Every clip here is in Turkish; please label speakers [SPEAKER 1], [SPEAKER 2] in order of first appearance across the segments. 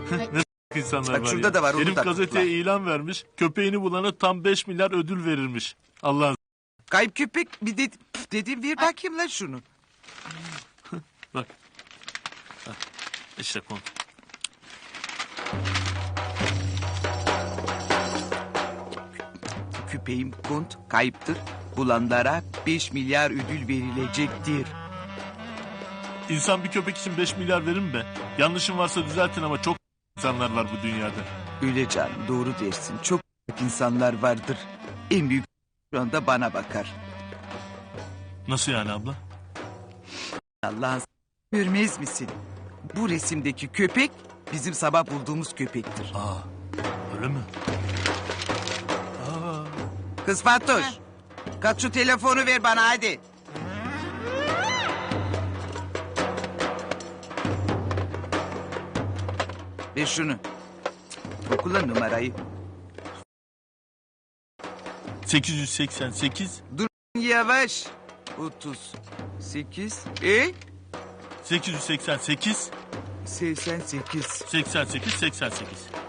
[SPEAKER 1] Ne insanlar
[SPEAKER 2] Bak
[SPEAKER 1] var
[SPEAKER 2] şurada
[SPEAKER 1] ya.
[SPEAKER 2] da var, onu
[SPEAKER 1] Herif
[SPEAKER 2] da
[SPEAKER 1] gazeteye
[SPEAKER 2] tıkla.
[SPEAKER 1] ilan vermiş. Köpeğini bulana tam 5 milyar ödül verirmiş. Allah'ın
[SPEAKER 2] Kayıp köpek bir dedim ver bakayım lan şunu.
[SPEAKER 1] bak. Hah, İşte konu.
[SPEAKER 2] Köpeğim kont kayıptır. Bulanlara 5 milyar ödül verilecektir.
[SPEAKER 1] İnsan bir köpek için 5 milyar verir mi be? Yanlışım varsa düzeltin ama çok insanlar var bu dünyada.
[SPEAKER 2] Öyle canım, doğru dersin. Çok büyük insanlar vardır. En büyük şu anda bana bakar.
[SPEAKER 1] Nasıl yani abla?
[SPEAKER 2] Allah'ın görmez misin? Bu resimdeki köpek bizim sabah bulduğumuz köpektir.
[SPEAKER 1] Aa, öyle mi?
[SPEAKER 2] Kız Fatoş. Kalk şu telefonu ver bana hadi. Ver şunu. Okula numarayı.
[SPEAKER 1] 888
[SPEAKER 2] Dur yavaş. 38.
[SPEAKER 1] 888
[SPEAKER 2] 88.
[SPEAKER 1] 88 88.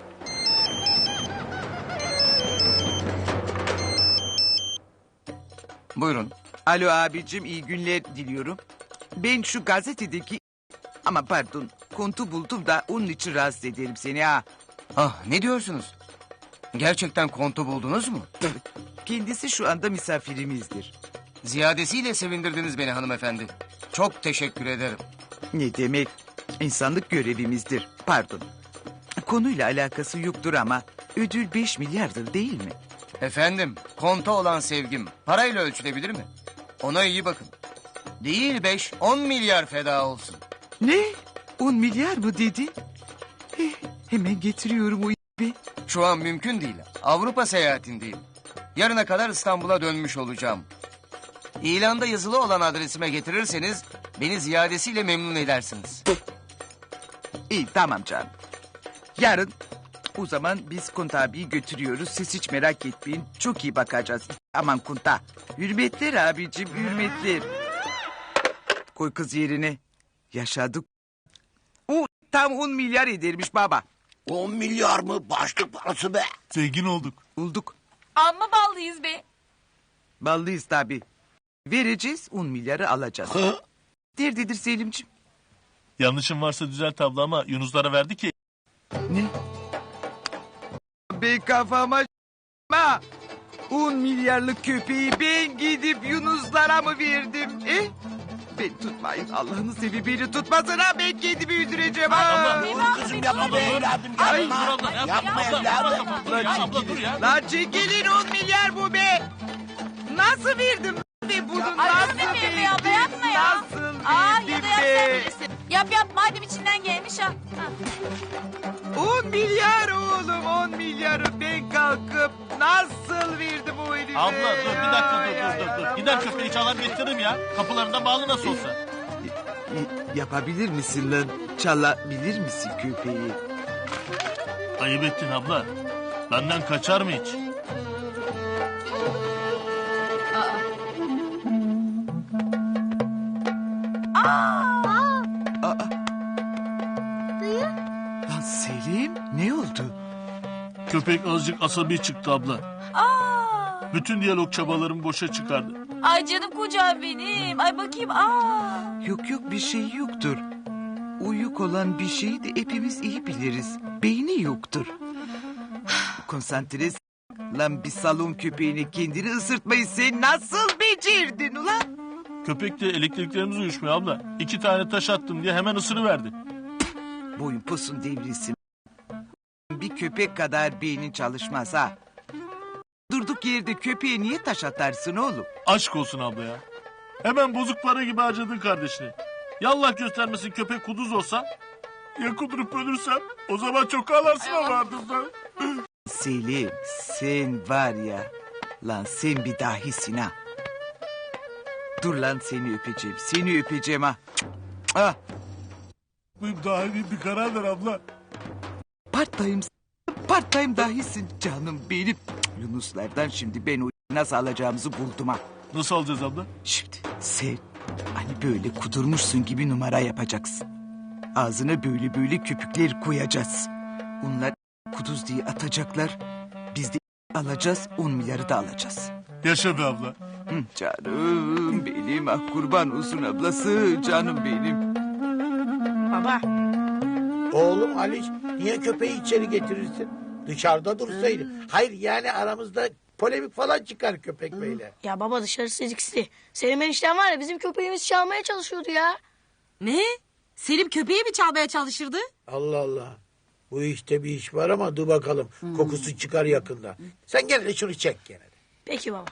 [SPEAKER 2] Buyurun. Alo abicim, iyi günler diliyorum. Ben şu gazetedeki... Ama pardon, kontu buldum da onun için rahatsız ederim seni ha.
[SPEAKER 3] Ah, ne diyorsunuz? Gerçekten kontu buldunuz mu?
[SPEAKER 2] Kendisi şu anda misafirimizdir.
[SPEAKER 3] Ziyadesiyle sevindirdiniz beni hanımefendi. Çok teşekkür ederim.
[SPEAKER 2] Ne demek? İnsanlık görevimizdir. Pardon. Konuyla alakası yoktur ama ödül 5 milyardır değil mi?
[SPEAKER 3] Efendim, konta olan sevgim parayla ölçülebilir mi? Ona iyi bakın. Değil 5-10 milyar feda olsun.
[SPEAKER 2] Ne? 10 milyar mı dedi? Hemen getiriyorum o be.
[SPEAKER 3] Şu an mümkün değil. Avrupa seyahatindeyim. Yarına kadar İstanbul'a dönmüş olacağım. İlanda yazılı olan adresime getirirseniz beni ziyadesiyle memnun edersiniz.
[SPEAKER 2] İyi tamam canım. Yarın o zaman biz Kunta abiyi götürüyoruz. Siz hiç merak etmeyin. Çok iyi bakacağız. Aman Kunta. Hürmetler abicim, hürmetler. Koy kız yerine. Yaşadık. O tam 10 milyar edermiş baba.
[SPEAKER 4] 10 milyar mı? Başlık parası be.
[SPEAKER 1] Zengin olduk.
[SPEAKER 2] Bulduk.
[SPEAKER 5] Amma ballıyız be.
[SPEAKER 2] Ballıyız tabii. Vereceğiz 10 milyarı alacağız. Derdidir Selimciğim.
[SPEAKER 1] Yanlışım varsa düzelt abla ama Yunuslara verdi ki.
[SPEAKER 2] Ne? Be kafama ma. 10 milyarlık köpeği ben gidip Yunuslara mı verdim? Ben tutmayın. Allah'ını sevi beni tutmasın ha. Ben kendimi öldüreceğim ha.
[SPEAKER 4] Dur kızım yapma be evladım yapma. Yapma evladım.
[SPEAKER 1] Abla dur ya.
[SPEAKER 2] Lan çekilin 10 milyar bu be. Nasıl verdim be bunu?
[SPEAKER 5] Ay
[SPEAKER 2] Nasıl
[SPEAKER 5] dur be abla yapma ya.
[SPEAKER 2] Nasıl
[SPEAKER 5] Aa ya
[SPEAKER 2] verdim
[SPEAKER 5] da yap sen
[SPEAKER 2] be?
[SPEAKER 5] bilirsin. Yap madem içinden gelmiş ha.
[SPEAKER 2] 10 milyar oğlum 10 milyarı ben kalkıp nasıl verdim o herife?
[SPEAKER 1] Abla dur bir dakika
[SPEAKER 2] Ay,
[SPEAKER 1] dur. Gider köpeği çalar getiririm ya. Kapılarında bağlı nasıl olsa.
[SPEAKER 2] Yapabilir misin lan? Çalabilir misin köpeği?
[SPEAKER 1] Ayıp ettin abla. Benden kaçar mı hiç?
[SPEAKER 2] Lan Selim ne oldu?
[SPEAKER 1] Köpek azıcık asabi çıktı abla.
[SPEAKER 5] Aa.
[SPEAKER 1] Bütün diyalog çabalarımı boşa çıkardı.
[SPEAKER 5] Ay canım kocam benim. Ay bakayım. Aa.
[SPEAKER 2] Yok bir şey yoktur. Uyuk olan bir şeyi de hepimiz iyi biliriz. Beyni yoktur. Konsantre lan bir salon köpeğine kendini ısırtmayı sen nasıl becerdin ulan?
[SPEAKER 1] Köpek de elektriklerimiz uyuşmuyor abla. 2 tane taş attım diye hemen ısırıverdi.
[SPEAKER 2] Boyun posun devrilsin. Bir köpek kadar beynin çalışmaz ha. Durduk yerde köpeğe niye taş atarsın oğlum?
[SPEAKER 1] Aşk olsun abla ya. Hemen bozuk para gibi harcadın kardeşini. Yallah göstermesin köpek kuduz olsa. Ya kudurup ölürsem o zaman çok ağlarsın ama ardından.
[SPEAKER 2] Selim sen var ya. Lan sen bir dahisin ha. Dur lan seni öpeceğim. Seni öpeceğim ha. Ah.
[SPEAKER 1] Bu daha iyi bir karar ver abla.
[SPEAKER 2] Part-time dahisin canım benim. Yunuslardan şimdi ben o nasıl alacağımızı buldum ha.
[SPEAKER 1] Nasıl alacağız abla?
[SPEAKER 2] Şimdi sen hani böyle kudurmuşsun gibi numara yapacaksın. Ağzına böyle köpükler koyacağız. Onlar kuduz diye atacaklar. Biz de alacağız, 10 milyarı da alacağız.
[SPEAKER 1] Yaşa be abla.
[SPEAKER 2] Hı, canım benim, ah kurban olsun ablası, canım benim.
[SPEAKER 6] Baba.
[SPEAKER 7] Oğlum Ali niye köpeği içeri getirirsin? Dışarıda dursaydı. Hayır yani aramızda polemik falan çıkar köpek beyle.
[SPEAKER 6] Ya baba dışarısı riskli. Selim enişten var ya bizim köpeğimizi çalmaya çalışıyordu ya.
[SPEAKER 5] Ne? Selim köpeği mi çalmaya çalışırdı?
[SPEAKER 7] Allah Allah. Bu işte bir iş var ama dur bakalım. Kokusu çıkar yakında. Sen gel de şunu çek gene. de.
[SPEAKER 6] Peki baba.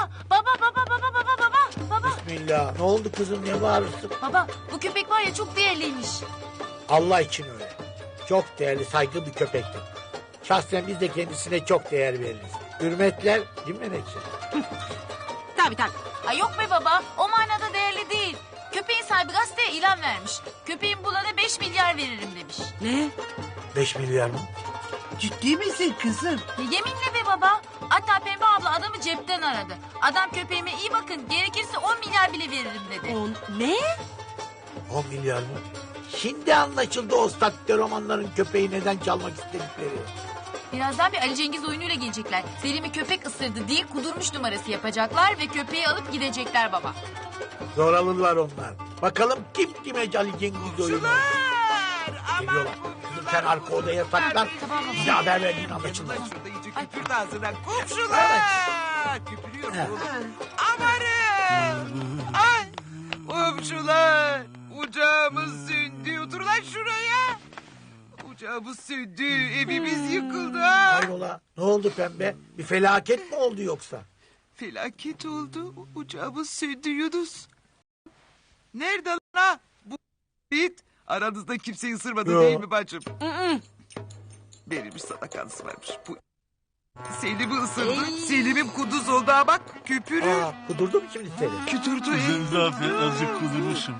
[SPEAKER 5] Baba.
[SPEAKER 7] Bismillah. Ne oldu kızım ne bağırırsın?
[SPEAKER 5] Baba bu köpek var ya çok değerliymiş.
[SPEAKER 7] Allah için öyle. Çok değerli saygın bir köpektir. Şahsen biz de kendisine çok değer veririz. Hürmetler değil mi Menekşe?
[SPEAKER 5] Tabii. Ay yok be baba o manada değerli değil. Köpeğin sahibi gazeteye ilan vermiş. Köpeğin bulana 5 milyar veririm demiş. Ne?
[SPEAKER 7] 5 milyar mı?
[SPEAKER 2] Ciddi misin kızım?
[SPEAKER 5] Ya yeminle be baba. Hatta Pembe abla adamı cepten aradı. Adam köpeğime iyi bakın gerekirse 10 milyar bile veririm dedi. Ne?
[SPEAKER 7] 10 milyar mı? Şimdi anlaşıldı o statüde romanların köpeği neden çalmak istedikleri.
[SPEAKER 5] Birazdan bir Ali Cengiz oyunuyla gelecekler. Selim'i köpek ısırdı diye kudurmuş numarası yapacaklar ve köpeği alıp gidecekler baba.
[SPEAKER 7] Zoralılar onlar. Bakalım kim kime Ali Cengiz oyunu. Geliyorlar. Kızım sen arka odaya saklan. Bize haber verdiğin anlaşıldı.
[SPEAKER 2] Şurada iyice küpürdü ağzına. Komşular! Küpürüyor oğlum. Amanın! Ay! Komşular! Ocağımız söndü. Otur lan şuraya. Ocağımız söndü. Evimiz yıkıldı.
[SPEAKER 7] Hayrola ne oldu pembe? Bir felaket mi oldu yoksa?
[SPEAKER 2] Felaket oldu. Ocağımız söndü Yunus. Nerede lan ha? Bu it. Aranızda kimseyi ısırmadı
[SPEAKER 7] Yo.
[SPEAKER 2] değil mi bacım? Verilmiş sadakanız varmış. Bu Selim'i ısırdı. Selim'im kuduz oldu ha bak. Küpürü.
[SPEAKER 7] Kudurdu mu şimdi seni?
[SPEAKER 2] Kütürdü.
[SPEAKER 1] Kızım zaten azıcık kudurmuşum.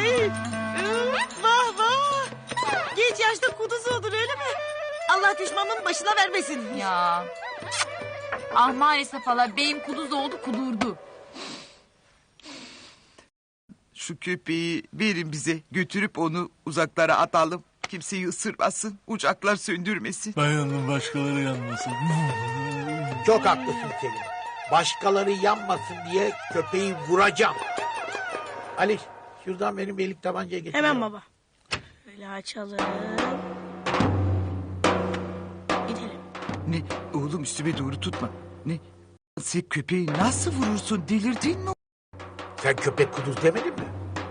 [SPEAKER 6] Vah. Genç yaşta kuduz oldun öyle mi? Allah düşmanın başına vermesin.
[SPEAKER 5] Ya. Ah maalesef hala beyim kuduz oldu kudurdu.
[SPEAKER 2] Şu köpeği verin bize. Götürüp onu uzaklara atalım. Kimseyi ısırmasın. Ocaklar söndürmesin.
[SPEAKER 1] Ben yandım başkaları yanmasın.
[SPEAKER 7] Çok haklısın Selim. Başkaları yanmasın diye köpeği vuracağım. Ali şuradan benim belik tabancayı getir.
[SPEAKER 6] Hemen baba. Böyle açalım. Gidelim.
[SPEAKER 2] Ne? Oğlum üstüme doğru tutma. Ne? Sen köpeği nasıl vurursun? Delirdin mi?
[SPEAKER 7] Sen köpek kuduz demedin mi?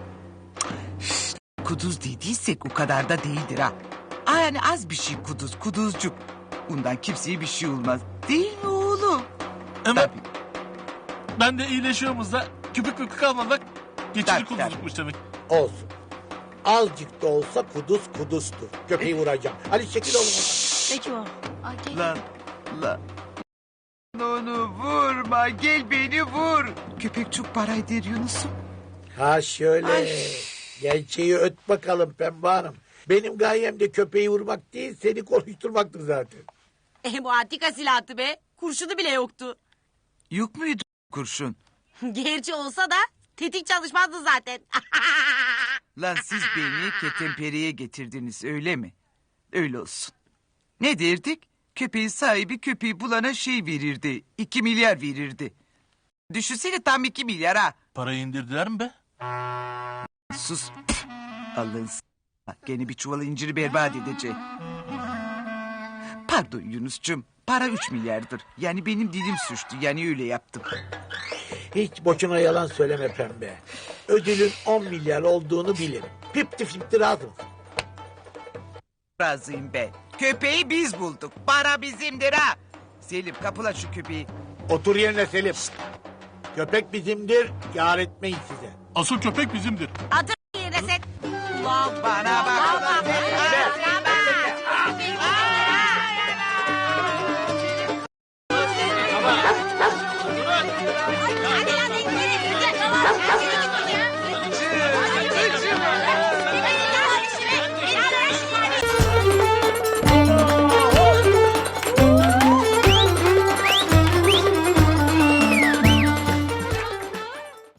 [SPEAKER 2] Kuduz dediysek o kadar da değildir ha. Aa, yani az bir şey kuduz, kuduzcuk. Bundan kimseye bir şey olmaz. Değil mi oğlum?
[SPEAKER 1] Ama
[SPEAKER 2] Tabii.
[SPEAKER 1] ben de iyileşiyoruz da köpek mükü kalmadan geçici
[SPEAKER 2] Tabii,
[SPEAKER 1] kuduzlukmuş demek.
[SPEAKER 7] Olsun. Azıcık da olsa kuduz kuduzdur. Köpeği vuracağım. Ali çekil oğlum.
[SPEAKER 6] Peki baba.
[SPEAKER 5] Ay, gel.
[SPEAKER 2] Lan. Onu vurma, gel beni vur. Köpek çok para eder Yunus'um.
[SPEAKER 7] Ha şöyle. Gerçeği öt bakalım Pembe Hanım. Benim gayem de köpeği vurmak değil seni konuşturmaktır zaten.
[SPEAKER 8] Bu antika silahtı be. Kurşunu bile yoktu.
[SPEAKER 2] Yok muydu kurşun?
[SPEAKER 8] Gerçi olsa da tetik çalışmazdı zaten.
[SPEAKER 2] Lan siz beni ketempereye getirdiniz öyle mi? Öyle olsun. Ne derdik? Köpeğin sahibi köpeği bulana şey verirdi. 2 milyar verirdi. Düşünsene tam 2 milyar ha.
[SPEAKER 1] Parayı indirdiler mi be?
[SPEAKER 2] Sus. Allah'ın gene bir çuval inciri berbat edecek. Pardon Yunus'cum. Para 3 milyardır. Yani benim dilim suçtu. Yani öyle yaptım.
[SPEAKER 7] Hiç boşuna yalan söyleme Pembe. Ödülün 10 milyar olduğunu bilirim. Pipti fipti razı mısın?
[SPEAKER 2] Razıyım ben. Köpeği biz bulduk. Para bizimdir ha. Selim kapıla şu köpeği.
[SPEAKER 7] Otur yerine Selim. Köpek bizimdir, yar etmeyin size.
[SPEAKER 1] Asıl köpek bizimdir.
[SPEAKER 8] Atır yerine sen.
[SPEAKER 2] Bana bak.